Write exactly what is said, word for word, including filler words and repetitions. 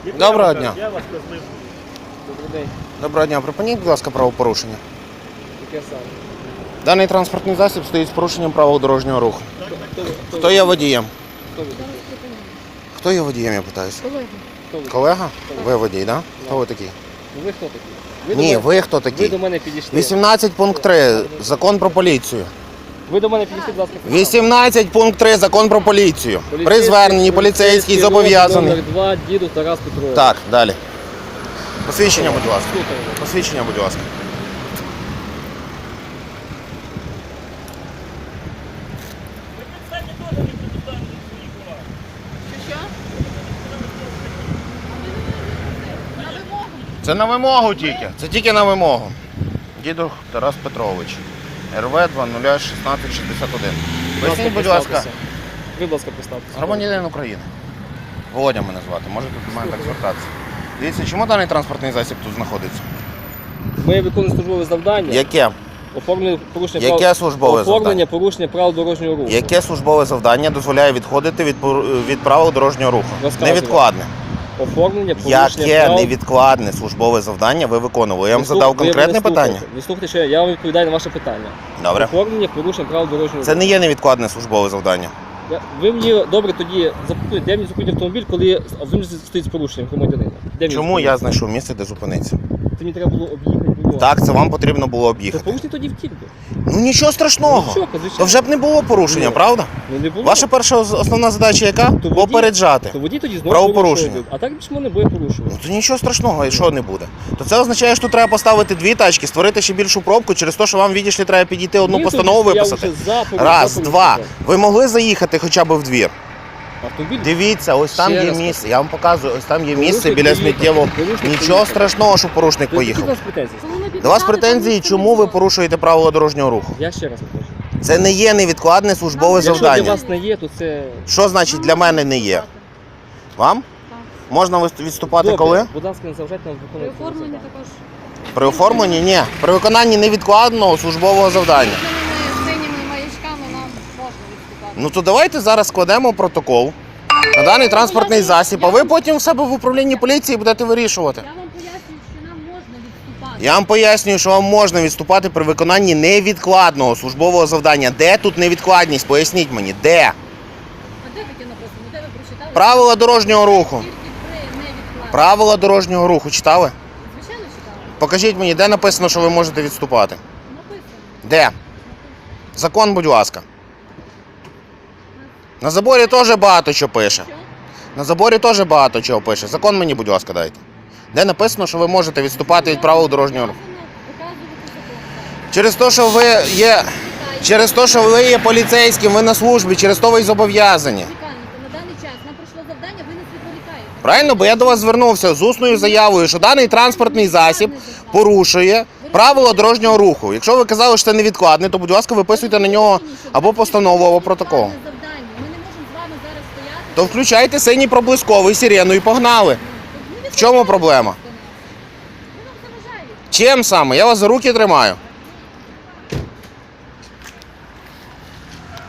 Доброго дня. Я вас козлив. Добрий день. Доброго дня. Припиніть, будь ласка, правопорушення. Яке саме? Даний транспортний засіб стоїть з порушенням правил дорожнього руху. Хто ви? Хто Хто ви? є водієм? Хто ви такий? Хто є водієм, я питаюся? Хто ви? Колега? Ви водій, так? Хто ви такий? Ну ви хто такий? Ви до Ні, мене- ви хто Ви такий? до мене підійшли. вісімнадцять пункт три. Закон про поліцію. Ви до мене підійшли, будь ласка. вісімнадцять пункт три. Закон про поліцію. При зверненні поліцейський номер зобов'язаний. два, діду Тарас Петрович. Так, далі. Посвідчення, будь ласка. Слухаємо. Посвідчення, будь ласка. Це на вимогу тільки. Це тільки на вимогу. Дідух Тарас Петрович. РВ два нуль шістнадцять шістдесят один. Поясніть, будь ласка, представтеся. Ви, будь ласка, представтеся. громадянин України. Володя мене звати. Можете до мене так звертатися. Дивіться, чому даний транспортний засіб тут знаходиться? Ми виконуємо службове завдання. Яке? Оформлення порушення Яке прав... службове Оформлення завдання? порушення правил дорожнього руху. Яке службове завдання дозволяє відходити від, пор- від правил дорожнього руху? Розказуйте. Невідкладне. Оформлення порушення Яке прав... невідкладне службове завдання ви виконували? Я вам Ви слух- задав ви мене конкретне слухайте. питання? Ви слухайте, що я, я вам відповідаю на ваше питання. Добре. Оформлення порушення правил дорожнього Це руху. не є невідкладне службове завдання. Я- Ви мені добре тоді запитуєте, де мені зупинити автомобіль, коли автомобіль стоїть з порушенням громадянина? Де мені Чому зупинити? я знайшов місце, де зупинитися? Це мені треба було об'їхати було. Так, це вам потрібно було То об'їхати. порушення тоді втік би. Ну нічого страшного. Ну, що, звичайно. То вже б не було порушення, Ні. правда? Ну не було. Ваша перша ос- основна задача яка? То водій- Попереджати. То водій тоді знову Правопорушення. порушує. А так більше не буде порушувати. Ну то нічого страшного, і що не буде. То це означає, що тут треба поставити дві тачки, створити ще більшу пробку, через те, що вам відійшли, треба підійти одну Ні, постанову тоді я виписати. вже за порушення, Раз, за два. порушення. Ви могли заїхати хоча б в двір? Автомобіль Дивіться, ось там Ще є раз місце. Я вам показую, ось там є місце Порушник біля поїхав. сміттєвого. Порушник Нічого поїхав. страшного, що порушник То які поїхав. у вас претензії? До вас претензії, чому ви порушуєте правила дорожнього руху? Я ще раз покажу. Це не є невідкладне службове Якщо для завдання. вас не є, то це... Що значить для мене не є? Вам? Можна вис- відступати Добре. коли? Будь ласка, не заважайте нам При виконувати. своє оформленні завдання. також При оформленні? Ні. При виконанні невідкладного службового завдання. зеленими синіми маячками нам можна відступати. Ну то давайте зараз складемо протокол на даний транспортний засіб, а ви потім в себе в управлінні поліції будете вирішувати. Я вам пояснюю, що нам можна відступати. Я вам пояснюю, що вам можна відступати при виконанні невідкладного службового завдання. Де тут невідкладність? Поясніть мені, де? А де таке написано? Де ви прочитали? Правила дорожнього руху. Тільки при невідкладному. Правила дорожнього руху читали? Звичайно читали. Покажіть мені, де написано, що ви можете відступати. Написано. Де? Закон, будь ласка. На заборі теж багато чого пише. Що? На заборі теж багато чого пише. Закон мені, будь ласка, дайте. Де написано, що ви можете відступати від правил дорожнього руху. Показувати закон. Через те, що ви є. Через те, що ви є поліцейським, ви на службі, через то ви й зобов'язані. Чекайте, на даний час нам прийшло завдання, ви нас відволікаєте. Правильно? Бо я до вас звернувся з усною заявою, що даний транспортний засіб порушує правила дорожнього руху. Якщо ви казали, що це невідкладне, то, будь ласка, виписуйте на нього або постанову, або протокол. Ми не можемо з вами зараз стояти. То включайте синій проблисковий сирену і погнали. В чому проблема? Ви нам заважаєте. Чим саме? Я вас за руки тримаю.